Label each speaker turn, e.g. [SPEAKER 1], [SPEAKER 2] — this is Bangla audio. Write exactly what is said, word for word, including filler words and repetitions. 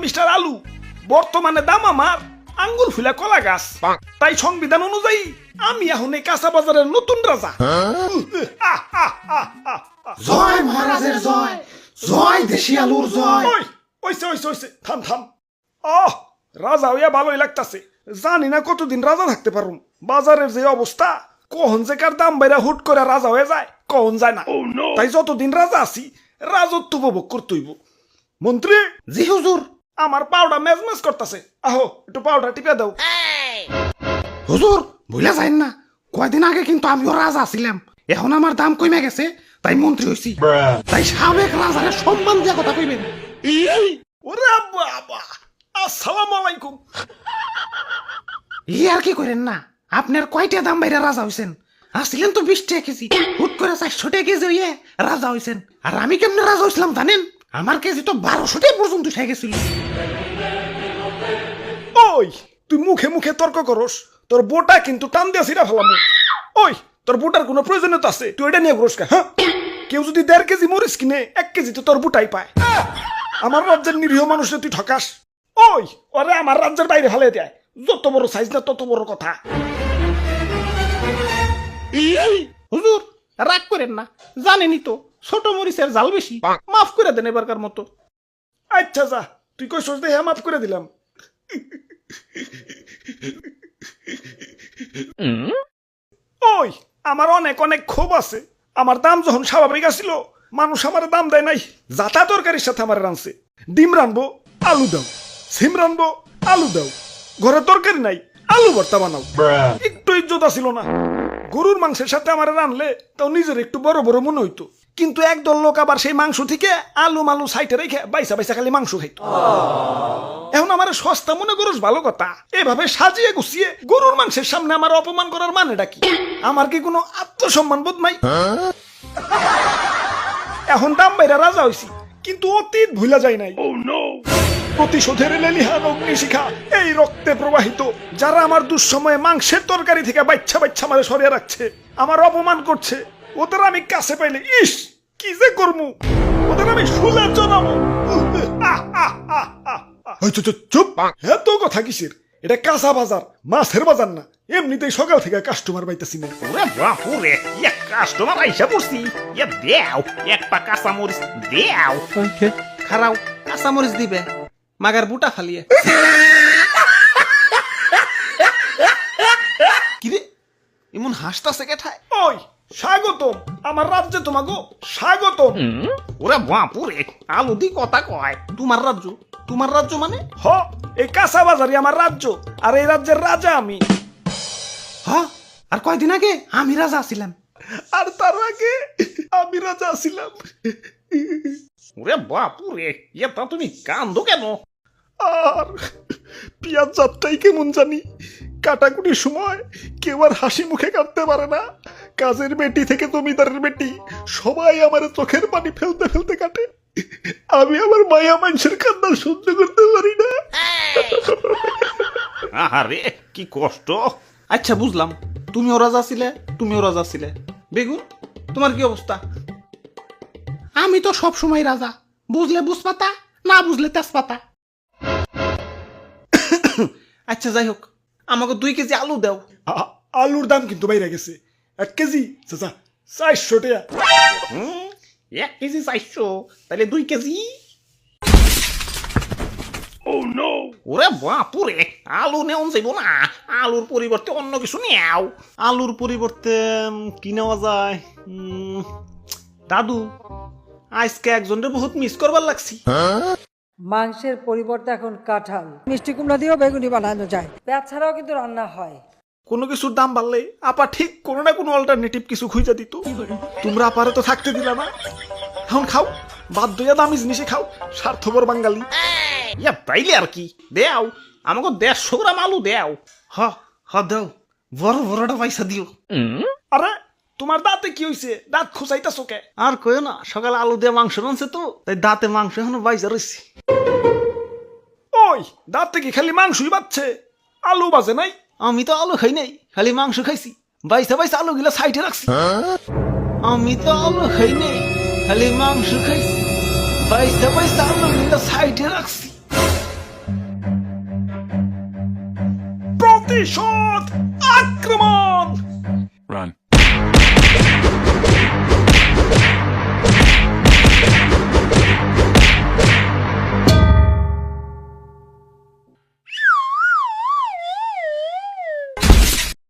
[SPEAKER 1] মিস্টার আলু, বর্তমানে দাম আমার আঙ্গুল ফুলা কলা গাছ। তাই সংবিধান অনুযায়ী আমি এখন এই কাঁচা বাজারের নতুন রাজা। আহ, আহ, আহ, আহ, আহ।
[SPEAKER 2] জয় মহারাজের জয়, জয় দেশি আলুর জয়।
[SPEAKER 1] ওই ওইসে ওইসে ওইসে থাম থাম। আহ, রাজা হইয়া ভালোই লাগতাছে। জানি না কতদিন রাজা থাকতে পারুম। বাজারের যে অবস্থা, কখন যে কার দাম বাইরা হুট করে রাজা হয়ে যায় কখন যায় না। তাই যতদিন রাজা আছি রাজত্ব উপভোগ করতেইব। মন্ত্রী,
[SPEAKER 2] জি হুজুর।
[SPEAKER 1] আমার পাউডার মেজমেজ করতেছে, আহো একটু পাউডার টিপে দাও।
[SPEAKER 2] হুজুর ভুলে যাইন না, কয়দিন আগে কিন্তু আমিও রাজা ছিলাম, এখন আমার দাম কমে গেছে তাই মন্ত্রী হইছি। তাই সাবেক রাজারে সম্মান দিয়া কথা কইবেন।
[SPEAKER 1] ওরে বাবা, আসসালামু আলাইকুম।
[SPEAKER 2] ই আর কি করেন না, আপনার কয়টা দাম বাইরে রাজা হইছেন? আসছিলেন তো বিশ টাকা কেজি, হুট করে চারশো টাকা কেজি হইয়ে রাজা হইছেন। আর আমি কেমনে রাজা হইছিলাম জানেন? আমার কেজি তো বারোশো টাকা পর্যন্ত উঠে গেছিল।
[SPEAKER 1] ওই তুই মুখে মুখে তর্ক করস, তোর বোটা কিন্তু টান দিয়া ছিড়া ফেলাম। ওই তোর বোটার কোনো প্রয়োজনীয়তা আছে? তুই এটা নিয়ে ঘুরস কা? হ্যাঁ, কেউ যদি দেড় কেজি মরিচ কিনে এক কেজি তো তোর বুটাই পায়। আমার রাজ্যের নিরীহ মানুষে তুই ঠকাস। ওই ওরে আমার রাজ্যের বাইরে ফেলে দেয়। যত বড় সাইজ না তত বড় কথা।
[SPEAKER 2] হুজুর রাগ করেন না, জানেনই তো ছোট মরিচের জাল বেশি, মাফ করে দেন এবারকার মতো।
[SPEAKER 1] আচ্ছা যা, তুই কই সোচ দেখে মাফ করে দিলাম। ওই আমার অনেক অনেক ক্ষোভ আছে। আমার দাম যখন স্বাভাবিক আসিল, মানুষ আমার দাম দেয় নাই। যাতা তরকারির সাথে আমার রানছে। ডিম রানবো, আলু দাও। সিম রানবো, আলু দাও। ঘরে তরকারি নাই, আলু ভর্তা বানাও। একটু ইজ্জত ছিল না। গরুর মাংসের সাথে আমার রানলে তাও নিজের একটু বড় বড় মনে হইতো। কিন্তু একদল লোক আবার সেই মাংস থেকে আলু মালু সাইটে রেখে বাইসা বাইসা খালি মাংস খাইতো। এখন আমার সস্তা মনে করস ভালো কথা, এভাবে সাজিয়ে গুছিয়ে গরুর মাংসের সামনে আমার অপমান করার মানেটা কি? আমার কি কোনো আত্মসম্মান বোধ নাই? এখন দাম বাইরা রাজা হইছি, কিন্তু অতীত ভুলা যায় নাই। প্রতিশোধের লেলিহান অগ্নিশিখা এই রক্তে প্রবাহিত। যারা আমার দুঃসময়ে মাংসের তরকারি থেকে বাচ্চা বাচ্চা আমারে সরিয়ে রাখছে, আমার অপমান করছে, ওদের আমি কাছে পাইলে ইস কি যে করমু, ওদের আমি শুলে জানাবো। চুপ, এত কথা কিসের? এটা কাঁচা বাজার, মাছের বাজার না। এমনিতেই সকাল থেকে কাস্টমার পাইতেছি না।
[SPEAKER 3] ওরে বাপুরে, এক কাস্টমার আইসা পড়ছি। ইয়া দেও এক পা কাঁচা মরিচ দেও।
[SPEAKER 2] খারাও কাঁচা মরিচ দিবে, মাগার বুটা ফালিয়ে। কিরে এমন হাসতাছে কেঠায়?
[SPEAKER 1] ওই স্বাগতম আমার রাজ্যে, তোমাগো স্বাগতম।
[SPEAKER 3] ওরে বাপুরে, আলু দি কথা কয়।
[SPEAKER 2] তোমার রাজ্য? তোমার রাজ্য মানে?
[SPEAKER 1] হ, এই কাঁচা বাজারই আমার রাজ্য, আর এই রাজ্যের রাজা আমি।
[SPEAKER 2] হ, আর কয়দিন আগে আমি রাজা ছিলাম।
[SPEAKER 1] আর তার আগে আমি রাজা ছিলাম।
[SPEAKER 3] ওরে বাপুরে, এটা তুমি কান্দো কেন?
[SPEAKER 1] আর পিয়াজ যাত্রাই কেমন জানি, কাটাকুটির সময় কেউ আর হাসি মুখে কাটতে পারে না। কাজের বেটি থেকে জমিদারের বেটি সবাই আমার চোখের পানি ফেলতে ফেলতে কাটে। আমি আমার মায়া মানুষের কান্না সহ্য করতে পারি না।
[SPEAKER 3] আরে কি কষ্ট।
[SPEAKER 2] আচ্ছা বুঝলাম, তুমিও রাজা ছিলে, তুমিও রাজা ছিলে। বেগুন তোমার কি অবস্থা? আমি তো সব সময় রাজা, বুঝলে বুঝপাতা, না বুঝলে তেজপাতা। আচ্ছা যাই হোক, আমাকে দুই কেজি আলু দাও।
[SPEAKER 1] আ- আলুর দাম কিন্তু বাইরে গেছে। এক কেজি চাচা চারশো টাকা।
[SPEAKER 3] হুম, এক কেজি চাইছো, তাহলে দুই কেজি। ওরে বাপুরে, আলু নেওয়া যাইব না। আলুর পরিবর্তে অন্য কিছু নেও।
[SPEAKER 2] আলুর পরিবর্তে উম, কি নেওয়া যায়? উম, দাদু আজকে একজনের বহুত মিস করবার লাগছি।
[SPEAKER 4] মাংসের পরিবর্তে এখন কাঁঠাল, মিষ্টি কুমড়া দিয়েও বেগুনি বানানো যায়। পেঁয়াজ ছাড়াও কিন্তু রান্না হয়।
[SPEAKER 1] কোনো কিছুর দাম বাড়লে আপা ঠিক কোনো না কোনো অল্টারনেটিভ কিছু খুঁজে দিত। তোমরা আপারে তো থাকতে দিলা না। এখন খাও, বাধ্য হইয়া দামি জিনিসে খাও, স্বার্থপর বাঙালি।
[SPEAKER 3] ইয়া তাইলে আর কি, দেও আমাকে দেড়শো গ্রাম আলু দেও।
[SPEAKER 2] হ হ দাও, বড় বড়টা পয়সা দিও।
[SPEAKER 1] আরে তোমার দাঁতে কি হইছে? দাঁত খুঁচাইতাছো কে?
[SPEAKER 2] আর কইও না, সকালে আলু দিয়ে মাংস রানছে তো, তাই দাঁতে মাংস এখনো বাইজা রয়েছে।
[SPEAKER 1] ওই দাঁতে কি খালি মাংসই বাচ্ছে, আলু বাজে নাই?
[SPEAKER 2] আমি তো আলু খাই নাই, খালি মাংস খাইছি। বাইসা বাইসা আলু গিলা সাইডে রাখছি। আমি তো আলু খাই নাই, খালি মাংস খাইছি। বাইসা বাইসা আলু গিলা সাইডে রাখছি।
[SPEAKER 1] প্রতিশোধ আক্রমণ।